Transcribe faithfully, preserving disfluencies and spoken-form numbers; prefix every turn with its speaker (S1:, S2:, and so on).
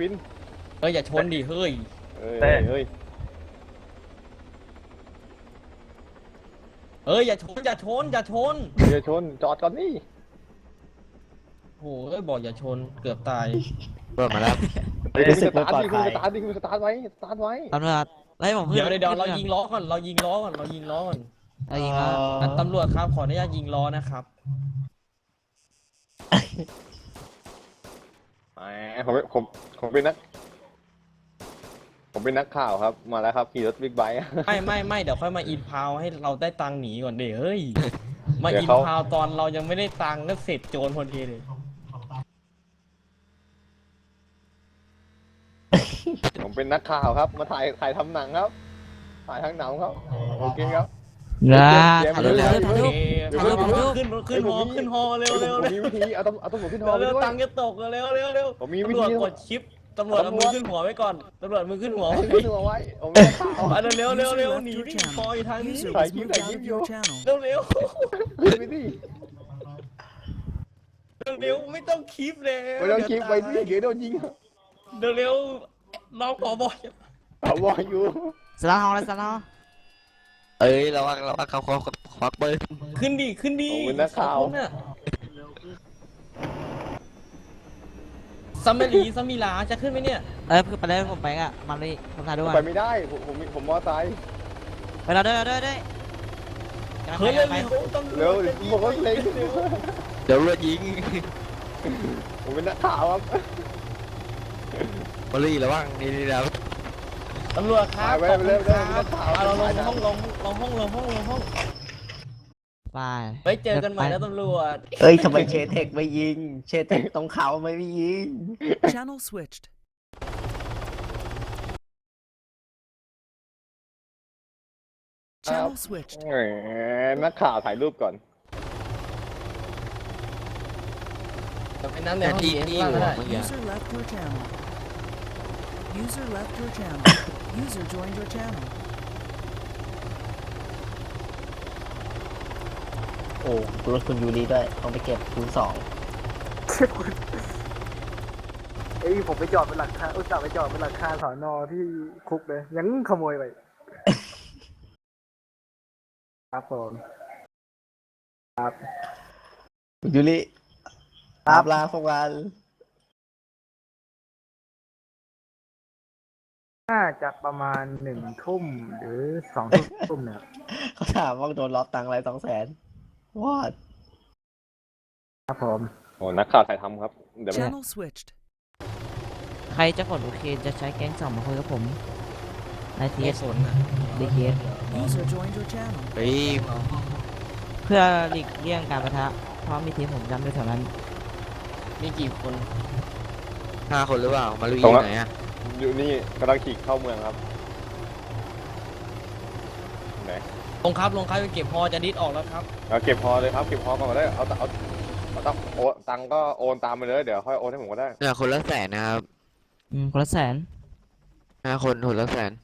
S1: วิน
S2: เฮ้ยอย่าชนดิเฮ้ย
S1: เฮ้ยเฮ้ย
S2: เฮ้ยอย่าชนอย่าชนอย่าชน
S1: อย่าชนจอดก่อนนี่
S2: โอ้ยบอกอย่าชนเกือบตาย
S3: เปิดมาแล้ว
S1: คุณ
S4: รู้
S1: ส
S4: สึกไม่
S1: ตาร์
S4: ปลอ
S1: ท
S4: ด
S1: ดิคุณ
S4: ภัย
S1: สตาร์ทดิคุณสตาร์ทไว้สตาร์ทไว้
S3: ตำรวจไล่ผมขึ้น
S2: เดี๋ยวเดี๋ยวเดี๋ยวเรา
S3: ขึ้น
S2: ยิงล้อก่อนเรายิงล้อก่อนเรายิงล้อก่อน
S3: เรายิงล้อ
S2: อ่ะตำรวจครับขออนุญาตยิงล้อนะครับ
S1: แหมผมผมผมเป็นนัก ผมเป็นนักข่าวครับมาแล้วครับขี่รถบิ๊กไบค์
S2: ไม่ไม่ไม่เดี๋ยวค่อยมาอินพาวให้เราได้ตังค์หนีก่อนเดี๋ยวเฮ้ยมา
S1: เดี๋ยว
S2: อิน
S1: เขา
S2: พาวตอนเรายังไม่ได้ตังค์ก็เสร็จโจรพอดีเลย
S1: ผมเป็นนักข่าวครับ มาถ่ายถ่ายทำหนังครับ ถ่ายทั้งหนังครับโอเคครับ
S3: นะ
S1: เดี๋ยว
S3: ถ่ายรูปถ่ายรูป
S2: โอ
S3: ถ่ายรูป
S2: เค
S1: เดี๋ยว
S2: ขึ้น
S3: เดี๋ยว
S2: ขึ้นขึ้นฮอขึ้นฮอเร็ว
S1: ผม
S2: เร็ว
S1: ผม
S2: เร็ว
S1: มีวิธีเอาตำเอาตำรวจขึ้นฮอไป
S2: เร็ว
S1: ด้วย
S2: ตังค์จะตกเร็วเร็วเร็ว
S1: ผมมีวิ
S2: ตำรวจ
S1: ธี
S2: กดชิปตำรวจเอามือขึ้นหัวไว้ก่อนตำรวจมือขึ้นหัวไว้
S1: ขึ้นหัวไว้ผมเป็นนักข่าว
S2: อ่ะเร็วเร็วเร็วหนีดิคอยทางนี้
S5: User
S1: ถ่าย
S5: was
S1: คลิป
S5: moved
S1: ถ่ายค
S5: out
S1: ลิป
S5: of
S1: อยู่
S5: your channel.
S2: เร็วเร็ว
S1: ขึ้นไปดิ
S2: เร็วไม่ต้องคลิปเลย
S1: ไม่ต้องคลิปไปดิเดี๋ยวโดนยิง
S2: เร็วเร็วน้องขอบอย
S1: เอาบอยอยู่
S3: สลาฮองแล้วสลาฮองเอ้ยระวังระวังเขาเขาควักปืน
S2: ขึ้นดิขึ้นดิ
S1: ผมเป็นนักข่าว
S2: ซัมเมลีซัมมิลาจะขึ้นไหมเนี่ย
S3: เอ้ยไปเลยผมไปอ่ะมาเลยผมถ่ายด้วย
S1: ไปไม่ได้ผมผมผมมอไซค์
S3: ไปเราด้วยด้วยด้วย
S2: เฮ้ยเร็ว
S3: ไป
S2: เร็วต้อง
S1: เร็วบอกว่าเล็ง
S3: เดี๋ยวรถยิง
S1: ผมเป็นนักข่าวครับ
S3: มาเลยระวังนี่นี่แล้ว
S2: ตำรวจครับ
S1: ไปไปเร็วเร็ว
S2: ขอบคุณครับ
S1: เร็ว
S2: เอาเราลงห้องลงลงห้องลงห้องลงห้อง
S3: ไป
S2: ไว้เจอกันใหม่นะตำรวจ
S4: เอ้ยทำไมเชเทคไม่ยิง เชเทคตรงเขาไม่ยิง
S5: Channel switched. Channel switched.
S1: แหมนักข่าวถ่ายรูปก่อน
S2: ไปนั่งในห้องดีเอสบ้างก็ได้
S5: User left your channel. User left your channel. User joined your channel.
S4: โอ้รถคุณยูรีด้วยต้องไปเก็บคูณสอง
S6: เอ้ยผมไปจอดเป็นหลังคาอุตส่าห์ไปจอดเป็นหลังคาสอนอที่คุกเลย ยังขโมยไป ครับผมครับ
S4: คุณยูริตามลาพวกวัน
S6: น่าจะประมาณหนึ่งทุ่มหรือสองทุ่มเนี่ย
S4: เขาถามว่าโดนล็อกตังค์อะไรสองแสนวอด
S6: ครับผม
S1: โอ้นักข่าวถ่ายทำครับ เดี๋ยว
S5: Channel switched.
S3: ใครจะกดโอเคจะใช้แก๊งสองมาคุยกับผมในที
S2: เอ
S3: เอ
S2: ส
S3: ส
S2: นนะ
S3: ดีเคส
S5: User joined your channel.
S3: เฮ้ยเพื่อหลีกเลี่ยงการประทะเพราะมีทีมผมจำด้วยแถวนั้น
S2: มีกี่คน
S3: ห้าคนหรือเปล่ามาลุย
S1: ตรงนั้น
S3: ไหนอ่ะ
S1: อยู่นี่กำลังขี่เข้าเมืองครับไหน
S2: ลงครับลงครับไปเก็บพอจะดิสออกแล้วครับ
S1: เอาเก็บพอเลยครับเก็บพอก่อนก็ได้เอาเอาเอาตังโอนตังก็โอนตามไปเลยเดี๋ยวค่อยโอนให้ผมก็ได้
S3: เนี่ยคนละแสนนะครับอืมคนละแสนห้าคนคนละแสน